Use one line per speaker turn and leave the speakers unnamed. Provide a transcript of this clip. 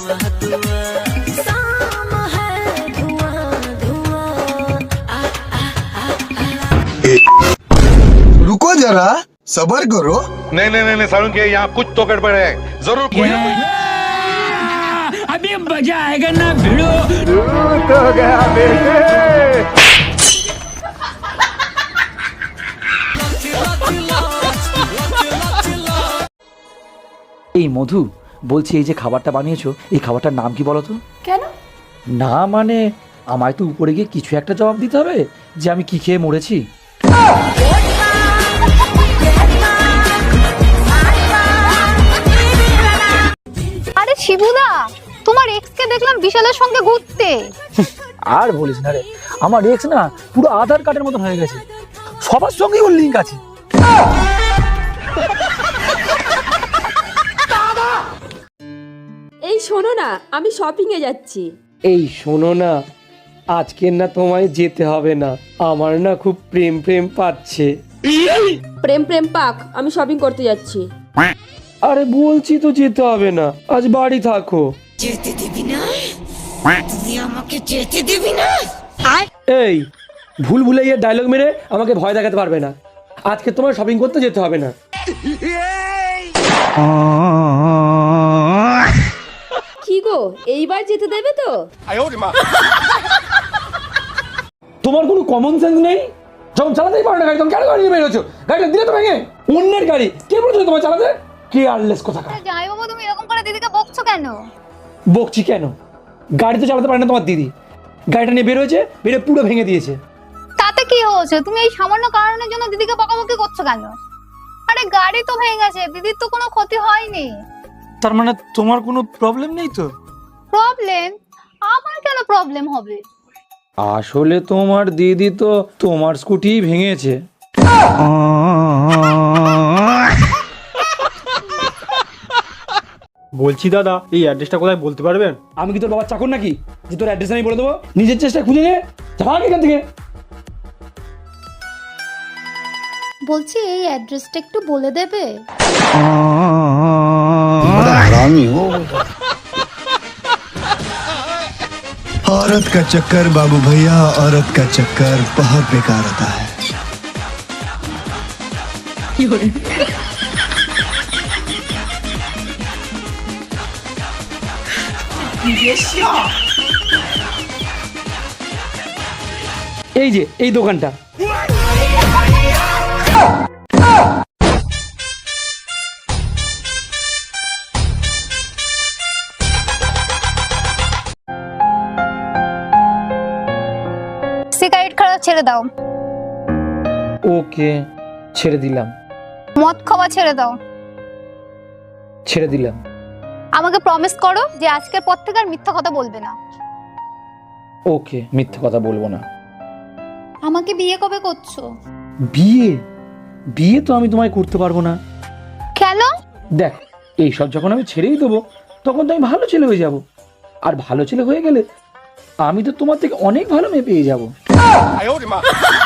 रुको जरा सबर करो।
नहीं नहीं नहीं सारुण के यहाँ कुछ तो गड़बड़ है, जरूर कोई ना कोई।
अभी मजा आएगा ना भिड़ो।
तो गया बेटे।
এই মধু বলছি, এই যে খাবারটা বানিয়েছো, এই খাবারটার নাম কি বলো তো?
কেন?
না মানে আমায় তো উপরে গিয়ে কিছু একটা জবাব দিতে হবে যে আমি কি খেয়ে মরেছি।
আরে শিবুদা, তোমার এক্স কে দেখলাম বিশালের সঙ্গে ঘুরতে।
আর বলিস না রে, আমার এক্স না পুরো আধার কার্ডের মতন হয়ে গেছে, সবার সঙ্গেই ওর লিঙ্ক আছে।
এই শোনো না, আমি শপিং এ যাচ্ছি।
এই শোনো না, আজকে না তোমায় যেতে হবে না, আমার না খুব প্রেম প্রেম পাচ্ছে।
প্রেম প্রেম পাক, আমি শপিং করতে যাচ্ছি।
আরে বলছি তো যেতে হবে না, আজ বাড়ি থাকো।
যেতে দিবি না? তুই আমাকে যেতে দিবি না?
এই ভুল ভুলাইয়া ডায়লগ মেরে আমাকে ভয় দেখাতে পারবে না, আজকে তোমার শপিং করতে যেতে হবে না।
কি গো, এইবার যেতে দেবে তো?
তোমার কোনো কমন সেন্স নেই? যখন চালাতেই পারো না গাড়ি, তখন কেন গাড়ি নিয়ে বেরোছো? গাড়িটা দিলে তো ভেঙে, অন্যের গাড়ি কে বলেছো তোমার চালাতে? কেয়ারলেস কোথাকার।
জামাই বাবু, তুমি এরকম করে দিদিকে বকছো কেন?
বকছি কেন? গাড়ি তো চালাতে পারে না তোমার দিদি, গাড়িটা নিয়ে বেরোয়েছে, বেরিয়ে পুরো ভেঙে দিয়েছে।
তাতে কি হয়েছে? তুমি এই সামান্য কারণের জন্য দিদিকে বকাবকি করছো কেন? আরে গাড়ি তো ভেঙে গেছে, দিদির তো কোনো ক্ষতি হয়নি।
তার মানে তোমার কোনো প্রবলেম নেই তো?
প্রবলেম? আমার কেন প্রবলেম হবে?
আসলে তোমার দিদি তো তোমার স্কুটি ভেঙেছে।
বলছি দাদা, এই অ্যাড্রেসটা কোথায় বলতে পারবেন?
আমি কি তোর বাবার চাকর নাকি যে তোর অ্যাড্রেস আমি বলে দেবো? নিজের চেষ্টা খুঁজে নে, ভাগ এখান থেকে।
বলছি এই অ্যাড্রেসটা একটু বলে দেবে?
औरत का चक्कर बाबू भैया, औरत का चक्कर बहुत बेकार होता है।
এই যে এই দোকানটা,
সিগারেট খাওয়া ছেড়ে দাও।
ওকে, ছেড়ে দিলাম।
মদ খাওয়া ছেড়ে দাও।
ছেড়ে দিলাম।
আমাকে প্রমিস করো যে আজকের পর থেকে আর মিথ্যা কথা বলবে না।
ওকে, মিথ্যে কথা বলবো না।
আমাকে বিয়ে কবে করছো?
বিয়ে? বিয়ে তো আমি তোমায় করতে পারবো না।
কেন?
দেখ, এইসব যখন আমি ছেড়েই দেবো, তখন তো আমি ভালো ছেলে হয়ে যাব, আর ভালো ছেলে হয়ে গেলে আমি তো তোমার থেকে অনেক ভালো মেয়ে পেয়ে যাবো।